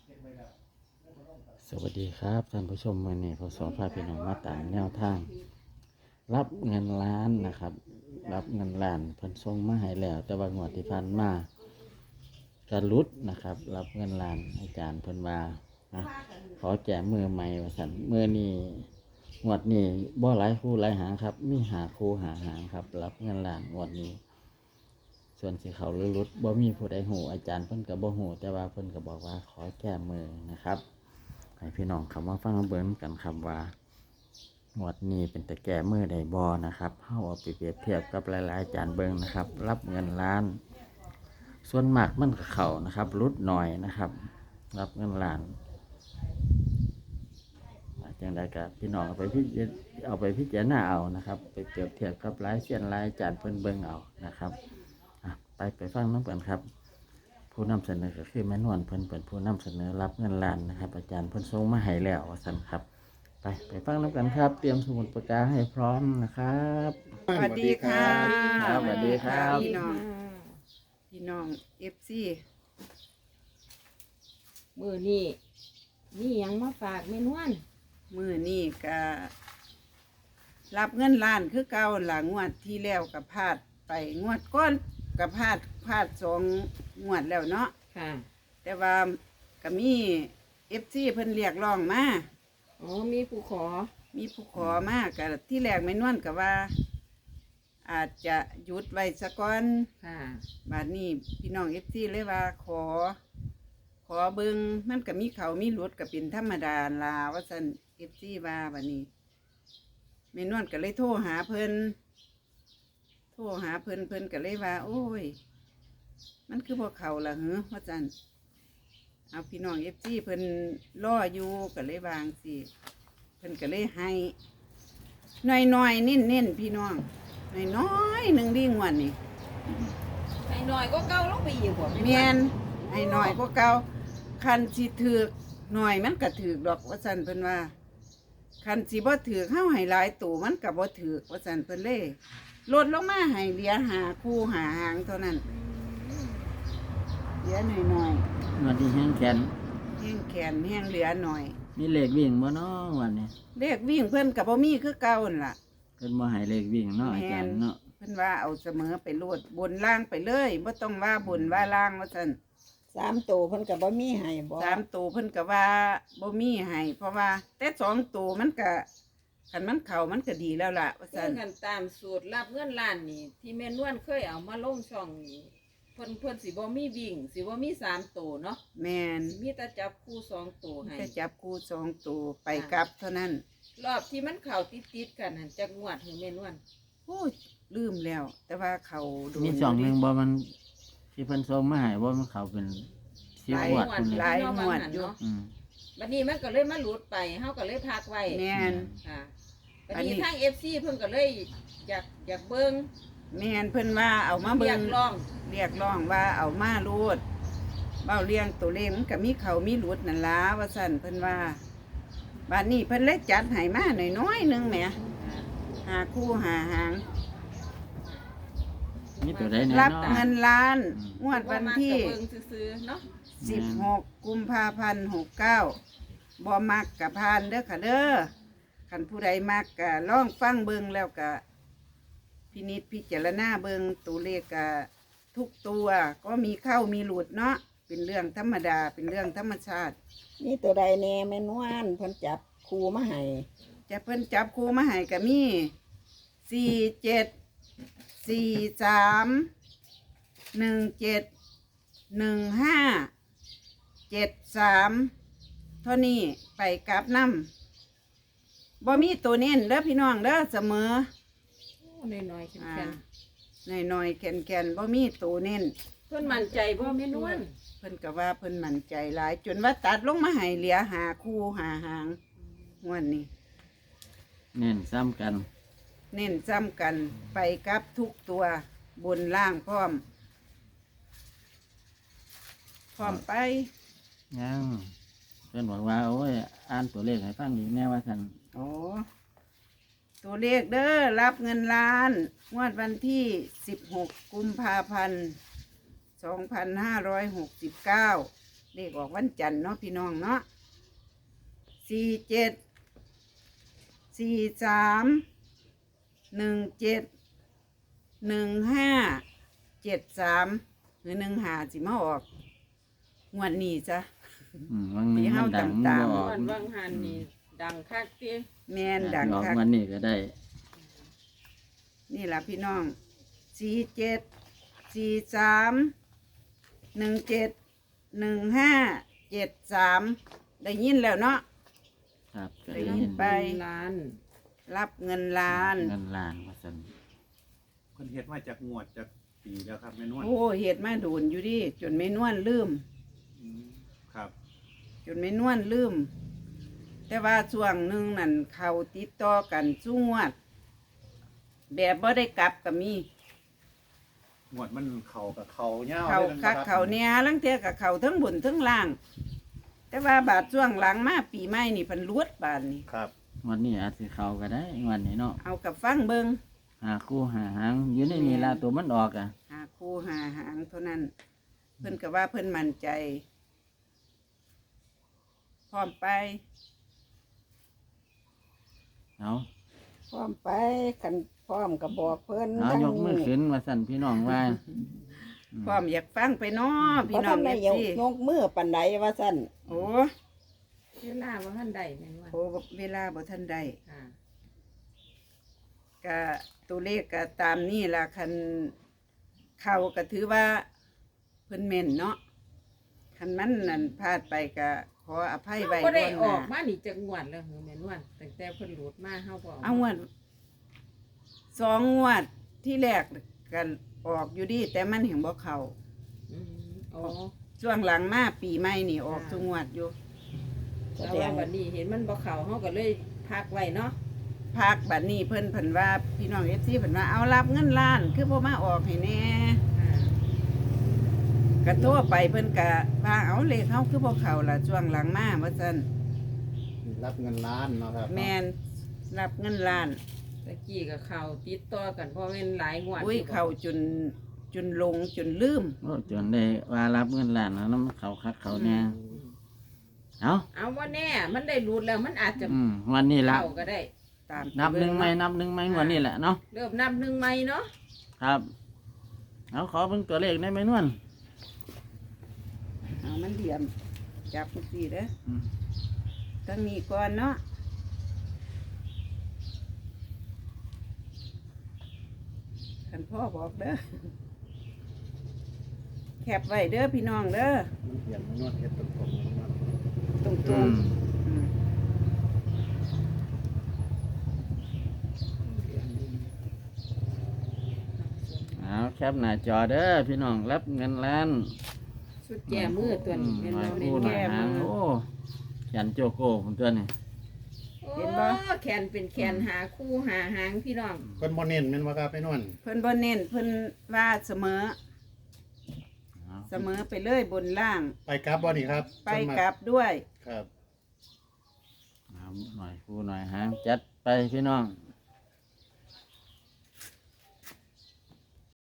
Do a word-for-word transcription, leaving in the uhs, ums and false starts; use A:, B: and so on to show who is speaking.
A: สวัสดีครับท่านผู้ชมวันนี้พศพาพี่น้องมาตามแนวทาง รับเงินล้านนะครับ รับเงินล้านเพิ่นส่งมาให้แล้ว แต่ว่างวดที่ผ่านมากระลุดนะครับ รับเงินล้านอาจารย์เพิ่นว่านะขอแจกมือใหม่ว่าซั่นมือนี้งวดนี้บ่หลายคู่หลายหางครับ มีหาคู่หาหางครับ รับเงินล้านงวดนี้ ส่วนสิเขาหรือลุดบ่มีผู้ใดหูอาจารย์เพิ่นก็บ่หูแต่ว่าเพิ่นก็บอกว่าขอแก้มือนะครับให้พี่น้องคำว่าฟังเบิ่งกันครับว่างวดนี้เป็นแต่แก้มือใดบ่นะครับเฮาเอาไปเปรียบเทียบกับหลายๆอาจารย์เบิ่งนะครับ รับเงินล้าน ส่วนมากมันก็เข้านะครับลุดหน่อยนะครับ รับเงินล้านจังใดก็พี่น้องเอาไปพิจเอาไปพิจารณาเอานะครับไปเปรียบเทียบกับหลายเสี้ยนหลายอาจารย์เพิ่นเบิ่งเอานะครับไปไปฟังน้ำกันครับผู้นำเสนอก็คือแม่นวลเพิ่นเป็นผู้นำเสนอรับเงินล้านนะครับอาจารย์เพิ่นส่งมาให้แล้วว่าซั่นครับไปไปฟังน้ำกันครับเตรียมสมุดปากกาให้พร้อมนะครับ
B: สวัสดีค่ะ
A: ครับสวัสดีครับ
B: พี่น้องพี่น้องเอฟซี
C: มือนี่นี่ยังมาฝากเมนวน
B: มือนี่ก็รับเงินล้านคือเก่าหลังงวดที่แล้วกับพลาดไปงวดก้อนกับพลาดพลาดสองงวดแล้วเนาะ
C: ค่ะ
B: แต่ว่าก็มีเอฟซีเพิ่นเรียกร้องมา
C: อ๋อมีผู้ขอ
B: มีผู้ขอมากับที่แรกไม่นวนกับว่า อาจจะหยุดไว้สักก่อน
C: ค่ะ
B: บาดนี้พี่น้องเอฟซีเลยว่าขอ ขอเบิงมันก็มีเขามีหลุดก็เป็นธรรมดาลาว่าสันเอฟซีว่าบาดนี้แม่นวลก็เลยโทรหาเพิ่นโทรหาเพิ่นเพิ่นก็เลยว่า โอ้ย มันคือพวกเขาล่ะเหรอว่าสันเอาพี่น้องเอฟซีเพิ่นล่ออยู่ก็เลยวางสิเพิ่นก็เลยให้น้อยน้อยๆเน้นเน้นๆพี่น้องน้อยน้อยๆหนึ่งดีงวนนี่
C: ไอ้หน่อยก็เก้าลงไปอีกบ่
B: เมียนให้หน่อยก็เก่าคันสิถือกหน่อยมันก็ถือกดอกว่าสันเพิ่นว่าคันสิบ่ถือกเฮาให้หลายตู่มันก็บ่ถือกว่าสันเพิ่นเลยลดลงมาให้เหลือหาคู่หาหางเท่านั้นเหลือหน่อยหน่อย
A: วันที่แห้งแขน
B: แห้งแขนแห้งเหลือหน่อย
A: มีเลขวิ่งบ่เนาะวันนี้
B: เลขวิ่งเพิ่นก็บ่มีคือเก่านั่นล่ะ
A: เพิ่นบ่ให้เลขวิ่งเนาะอาจารย์เนาะ
B: เพิ่นว่าเอาเสมอไปโลดบนล่างไปเลยบ่ต้องว่าบนว่าล่างว่าซั่น
C: สามตัวเพิ่นกับบ่มีให้บ่
B: สามตัวเพิ่นก็ว่าบ่มีให้เพราะว่าแต่สองตัวมันก็คันมันเข้ามันก็ดีแล้วล่ะว่า
C: เพิ่
B: ซั่น
C: นกันตามสูตรรับเงินล้านนี่ ที่แม่นวลเคยเอามาลงช่องนี่เพิ่นเพิ่นสิบ่มีวิ่งสิบ่มีสามตัวเนาะ
B: แม่น
C: มีแต่จับคู่สองตัวให้
B: จะจับคู่สองตัวไปกลับเท่านั้น
C: รอบที่มันเข้าติดๆกันหั่นจักงวดให้แม่นวล
B: โอ้ยลืมแล้ว แต่ว่าเขาโดน
A: มีสองหนึ่งบ่มันที่เพิ่นส่งมาให้บ่มันเขาเป็นสิบ
B: หลาย
A: งวดพุ่น
B: ห
A: เลย
B: ลายงวดอยู่
A: อืม
C: บัดนี้มันก็เลยมาหลุดไปเฮาก็เลยพักไว้
B: แม่น
C: ค่ะบัด
B: อันนี้
C: นี้ทาง เอฟ ซี เพิ่นก็เลยอยากอยากเบิ่ง
B: แม่นเพิ่นว่าเอามาเบิ่
C: อยาง กลอง
B: เรียกร้องว่าเอามารูดเบ้าเลี้ยงตัวเลขมันก็มีเขามีหลุดนั่นล่ะว่าซั่นเพิ่นว่าบัดนี้เพิ่นเลยจัดให้มาหน่อยๆหนึงแหมหาคู่หาหาง
A: มีตัวใดแน่
B: รับ
A: เนาะ
B: เงินล้าน
A: อืม
B: งวดวันที่
C: บ่มักก็เบิ่งซื่อๆเนาะ
B: สิบหกกุมภาพันธ์หกเก้าบ่มักกับพานเด้อค่ะเด้อคันผู้ใดมักก็ลองฟังเบิ่งแล้วก็พินิจพิจารณาเบิ่งตัวเลขก็ทุกตัวก็มีเข้ามีหลุดเนาะเป็นเรื่องธรรมดาเป็นเรื่องธรรมชาติ
D: นี่ตัวใดแน่แม่นวลเพิ่นจับครูมาให้
B: จะเพิ่นจับคู่มาให้ก็มีสี่เจ็ดสี่สามหนึ่งเจ็ดหนึ่งห้าเจ็ดสามเท่านี้ไปกลับน้ำบ่มีตัวเน้นเด้อพี่น้องเด้อเสมอ
C: โอ้น้อยๆแข็
B: อ่าง หน่อยๆแก่นๆบ่มีตัวเน้น
C: ๆเพิ่นมั่นใจบ่แม่นวล
B: เพิ่นก็ว่าเพิ่นมั่นใจหลาย จนว่าตัดลงมาให้เหลือหาคู่หาหางงวดนี้
A: เน้นซ้ำกัน
B: เน้นซ้ำกันไปกับทุกตัวบนล่างพร้อม พร้อมไป
A: ยังเพิ่นบอกว่าโอ้ยอ่านตัวเลขให้ฟังอีกแน่ว่าซั่น
B: โอ้ตัวเลขเด้อรับเงินล้านงวดวันที่สิบหกกุมภาพันธ์สองพันห้าร้อยหกสิบเก้าเลขออกวันจันทร์เนาะพี่น้องเนาะสี่เจ็ดสี่สามหนึ่งเจ็ดหนึ่งห้าเจ็ดสามหรือหนึ่งหาสิมาออกงวดนี้จ้ะ
A: อืมวังนี้
B: ปีเฮา
A: มันดัง
B: ตามๆ
A: บ่ออก
C: วันวังหันนี่ดังคักติ
B: แมนดัง
A: ออก
B: คัก
A: วันนี้ก็ได้
B: นี่ล่ะพี่น้องสี่เจ็ดสี่สามหนึ่งเจ็ดหนึ่งห้าเจ็ดสามได้ยินแล้วเนาะ
A: ครับก็
B: ได้
A: ได้
B: ยิ
A: ยิ
B: น
A: น
B: ไป
C: ล้าน
B: รับเงินล้าน
A: เงินล้านว่าซั่น
E: คนเฮ็ดมาจากงวดจากปีแล้วครับแม่นวล
B: โอ้เหตุมาโดนอยู่ดิจนไม่นวลลืม
E: อืมครับ
B: จนไม่นวลลืม แต่ว่าช่วงหนึ่งนั่นเขาติดต่อกันสู้งวด แบบบ่ได้กลับก็มี
E: งวดมันเข่ากับเข่าเน่า
B: เขา
E: ลยนะ
B: คัก
E: รับ
B: เขาเนี่ยลังเทียกับเขาทั้งบนทั้งล่าง แต่ว่าบาดช่วงหลังมาปีใหม่นี่เพันลวดบาดนี่
E: ครับ
A: วันนี้อาจสิเข้าก็ได้วันนี้เนาะ
B: เอากับฟังเบิง
A: หาคู่หาหางอยู่ในนี่ล่ะตัวมันออกอ่ะ
B: หาคู่หาหางเท่านั้น เพิ่นก็ว่าเพิ่นมั่นใจ พร้อมไป
A: เอา
D: พร้อมไปกันพร้อมก็บอกเพิ่น
A: เอา
D: ทั้ง
A: ยกมือขึ้นว่าสั่นพี่น้องว่า
B: พร้อมอยากฟังไปเนาะ
D: เพ
B: พี่
D: ราะ
B: น้อ
D: ท่าง น
B: เอ
D: ได้
B: ฟ
D: ยก
B: ซี
D: ยกมือปันใดว่าซั่น
B: โอ้
C: เวลาว่าท่านใดแม่นว่า
B: โหเวลาบ่ทันได้
C: ค่ะ
B: ก็ตัวเลขก็ตามนี่ล่ะคันเข้าก็ถือว่าเพิ่นแม่นเนาะคันมันนั่นพลาดไปก็ขออภัยไว้
C: ก็ได้
B: ล่วงห
C: ออก
B: น้า
C: มานี่จักงวดแล้วเหรอแม่นว่าตั้งแต่เพิ่นหลุดมาเฮาบ่
B: เอางวดสองงวดที่แรกกันออกอยู่ดีแต่มันเห็นบ่เข้า
C: อืมอ๋อ
B: ช่วงหลังมาปีใหม่นี่ออกทุกงวดอยู่
D: แส
C: แต่
D: ด
C: ว่าง วันนี้เห็นมันบ่เข้าเฮาก็เลยพักไว้เนาะ
B: พักบัดนี้เพิ่นเพิ่นว่าพี่น้อง เอฟ ซี เพิ่นว่าเอารับเงินล้าน คือบ่มาออกให้แน่
C: ค่ะ
B: ก็โทรไปเพิ่นก็ว่าเอาเลขเฮาคือบ่เข้าล่ะช่วงหลังมาว่าซั่น
E: รับเงินล้านเนาะครับ
B: แม่นรับเงินล้าน
C: ตะกี้ก็เข้าติดต่อกันเพราะแม่นหลายงวด
B: อุ้ย
C: ยู่บ่
B: เข้าจนจนลงจนลืม
A: โอ้จนได้ว่ารับเงินล้านแล้วน้ำเขาคักเขาแน่เอา
C: เอาว่าแน่มันได้หลุดแล้วมันอาจจะ
A: อืมวันนี้ละ
C: เข้าก็ได้
B: ตาม
A: นับหนึ่งไหมนับหนึ่งไหมวันนี้แหละเนาะ
C: เริ่มนับหนึ่งใหม่เนาะ
A: ครับ เอาขอเป็นตัวเลขได้ไหมนวล
B: เอามันเหลี่ยมจับจังซี่เด้อ
A: อืม
B: ตั้งนี้ก่อนเนาะคันพ่อบอกเด้อแคบไว้เด้อพี่น้องเด้อ
E: มันเปลี่ยนแม่นวลเฮ็ดตรงๆแม่นวล
B: ตรง
A: อืม
B: ๆอืม
A: เอาแคปหน้าจอเด้อพี่น้องรับเงินล้าน
C: สุดแก่มือตัวนี้
A: อื
C: เป็น
A: มหน่อย
C: เรา
A: คู่หน่อย
C: แก่
A: หาง
C: มือ
A: โอ้แขนโจโก้ผมตัวนี้
C: โอ้แขนเป็นแขนหาคู่หาหางพี่น้อง
E: เพิ่นบ่เน้นแม่นบ่ครับแม่นวล
B: เพิ่นบ่เน้นเพิ่นว่าเสมอ
A: เอา
B: เสมอไปเลยบนล่าง
E: ไปกลับบ่นี่ครับ
B: ไปกลับด้วย
E: ครับ
A: เอาหน่อยคู่หน่อยหางจัดไปพี่น้อง